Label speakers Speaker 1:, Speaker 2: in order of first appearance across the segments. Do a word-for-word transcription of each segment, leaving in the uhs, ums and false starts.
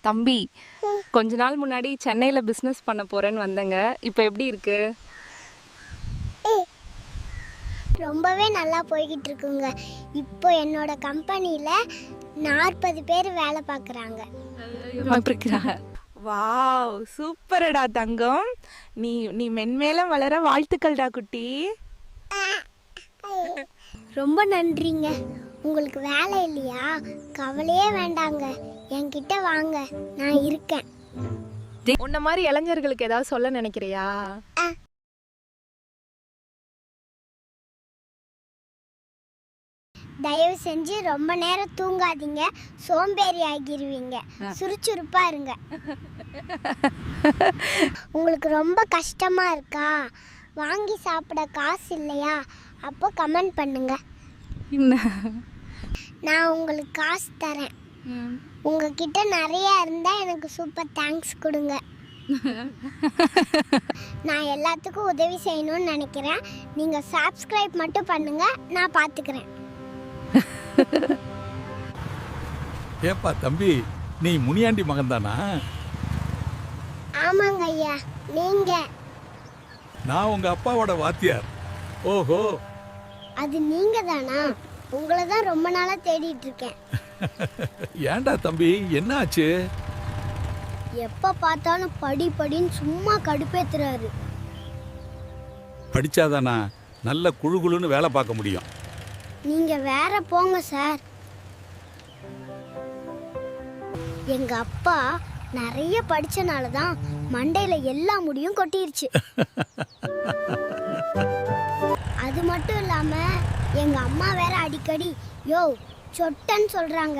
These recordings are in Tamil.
Speaker 1: தம்பி, கொஞ்ச நாள் முன்னாடி சென்னையில பிசினஸ் பண்ண போறேன்னு வந்தேங்க. இப்போ எப்படி இருக்கு?
Speaker 2: ரொம்பவே நல்லா போய்கிட்டு இருக்குங்க. இப்போ என்னோட கம்பெனியில் நாற்பது பேர் வேலை பார்க்குறாங்க.
Speaker 3: வாவ், சூப்பரடா தங்கம். நீ நீ மென்மேலும் வளர வாழ்த்துக்கள்டா குட்டி.
Speaker 2: ரொம்ப நன்றிங்க. உங்களுக்கு வேலை இல்லையா? கவலையே வேண்டாங்க, என்கிட்ட வாங்க, நான் இருக்கேன்.
Speaker 1: உன்ன மாதிரி இளைஞர்களுக்கு ஏதாவது சொல்ல நினைக்கிறியா?
Speaker 2: தயவு செஞ்சு ரொம்ப நேரம் தூங்காதீங்க, சோம்பேறி ஆகிருவீங்க. சுறுசுறுப்பா இருங்க. உங்களுக்கு ரொம்ப கஷ்டமா இருக்கா? வாங்கி சாப்பிட காசு இல்லையா? அப்போ கமெண்ட் பண்ணுங்க, நான் உங்களுக்கு காசு தரேன். உங்ககிட்ட நிறைய இருந்தா எனக்கு சூப்பர் தேங்க்ஸ் கொடுங்க. நான் எல்லாத்துக்கும் உதவி செய்யணும்னு நினைக்கிறேன். நீங்க சப்ஸ்கிரைப் மட்டும் பண்ணுங்க, நான் பார்த்துக்கிறேன்.
Speaker 4: ஏப்பா தம்பி, நீ முனியாண்டி மகன் தானா?
Speaker 2: ஆமாங்க ஐயா. நீங்க?
Speaker 4: நான் உங்க அப்பாவோட வாத்தியார். ஓஹோ,
Speaker 2: அது நீங்க தானா? உங்களை தான் ரொம்ப நாளா தேடிட்டு இருக்கேன்.
Speaker 4: ஏன்டா தம்பி, என்ன ஆச்சு?
Speaker 2: எப்ப பார்த்தாலும் படி படின்னு சும்மா கடுப்பேத்துறாரு.
Speaker 4: படிச்சாதானா நல்ல குழு குழுன்னு வேலை பார்க்க முடியும்?
Speaker 2: நீங்க வேற போங்க சார். எங்க அப்பா நிறைய படிச்சனால தான் மண்டையில எல்லா முடியும் கொட்டிருச்சு. அது மட்டும் இல்லாம எங்க அம்மா வேற அடிக்கடி யோ சொட்டன்னு சொல்றாங்க.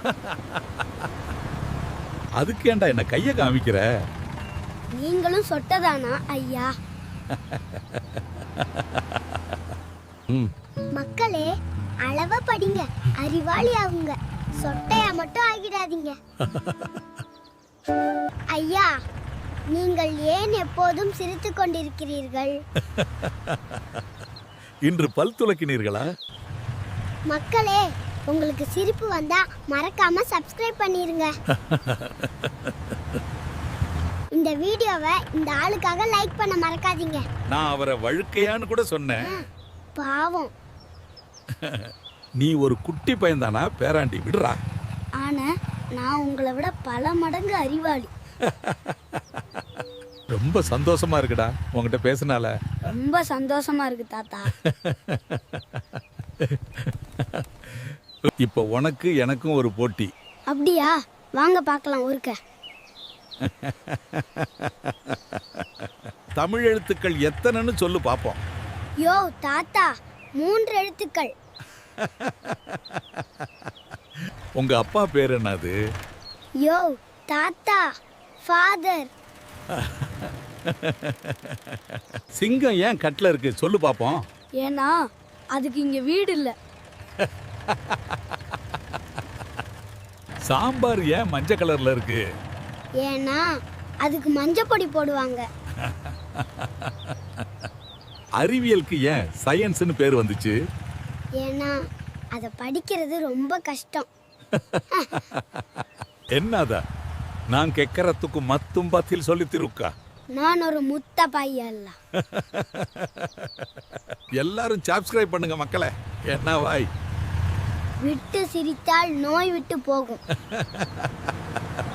Speaker 4: அதுக்கு ஏன்டா என்ன கைய காமிக்கிற?
Speaker 2: நீங்களும் சொட்டதானா ஐயா? மக்களே, அளவா படிங்க, அறிவாளி ஆகுங்க, சொட்டையா மட்டும் ஆகிடாதீங்க. ஐயா, நீங்கள் ஏன் எப்போதும் சிரித்துக் கொண்டிருக்கிறீர்கள்?
Speaker 4: இன்று பல் துலக்கினீர்களா?
Speaker 2: மக்களே, உங்களுக்கு சிரிப்பு வந்தா மறக்காம சப்ஸ்கிரைப் பண்ணிருங்க. இந்த வீடியோவை இந்த ஆளுக்காக லைக் பண்ண மறக்காதீங்க.
Speaker 4: நான் அவரை வழுக்கையான்னு கூட சொன்னேன்.
Speaker 2: பாவம்.
Speaker 4: நீ ஒரு குட்டி பையன்தானா? பேராண்டி விடுறா.
Speaker 2: ஆனா நான் உங்களை விட பல மடங்கு அறிவாளி.
Speaker 4: ரொம்ப சந்தோஷமா இருக்குடா உங்ககிட்ட பேசினால.
Speaker 2: ரொம்ப சந்தோஷமா இருக்கு தாத்தா.
Speaker 4: இப்போ உனக்கு எனக்கும் ஒரு போட்டி.
Speaker 2: அப்படியா? வாங்க பார்க்கலாம். ஒருக்க
Speaker 4: தமிழ் எழுத்துக்கள் எத்தனைன்னு சொல்லு பாப்போம்.
Speaker 2: யோ தாத்தா, மூன்று எழுத்துக்கள்.
Speaker 4: உங்க அப்பா பேர் என்னது?
Speaker 2: யோ தாத்தா, ஃபாதர்.
Speaker 4: சிங்கம் ஏன் கட்டில இருக்கு சொல்லு பாப்போம்.
Speaker 2: ஏன்னா அதுக்கு இங்க வீடு இல்ல.
Speaker 4: சாம்பார் ஏன் மஞ்சள் கலர்ல இருக்கு?
Speaker 2: ஏன்னா அதுக்கு மஞ்சப்பொடி போடுவாங்க.
Speaker 4: அறிவியலுக்கு ஏன் சயின்ஸ்னு பேர் வந்துச்சு?
Speaker 2: ஏன்னா அதை படிக்கிறது ரொம்ப கஷ்டம்.
Speaker 4: என்னதா நான் கேட்கறதுக்கு மத்தும் பதில் சொல்லி திருக்கா.
Speaker 2: நான் ஒரு முத்த பையல்ல.
Speaker 4: எல்லாரும் சப்ஸ்கிரைப் பண்ணுங்க மக்களே. என்ன வாய்
Speaker 2: விட்டு சிரித்தால் நோய் விட்டு போகும்.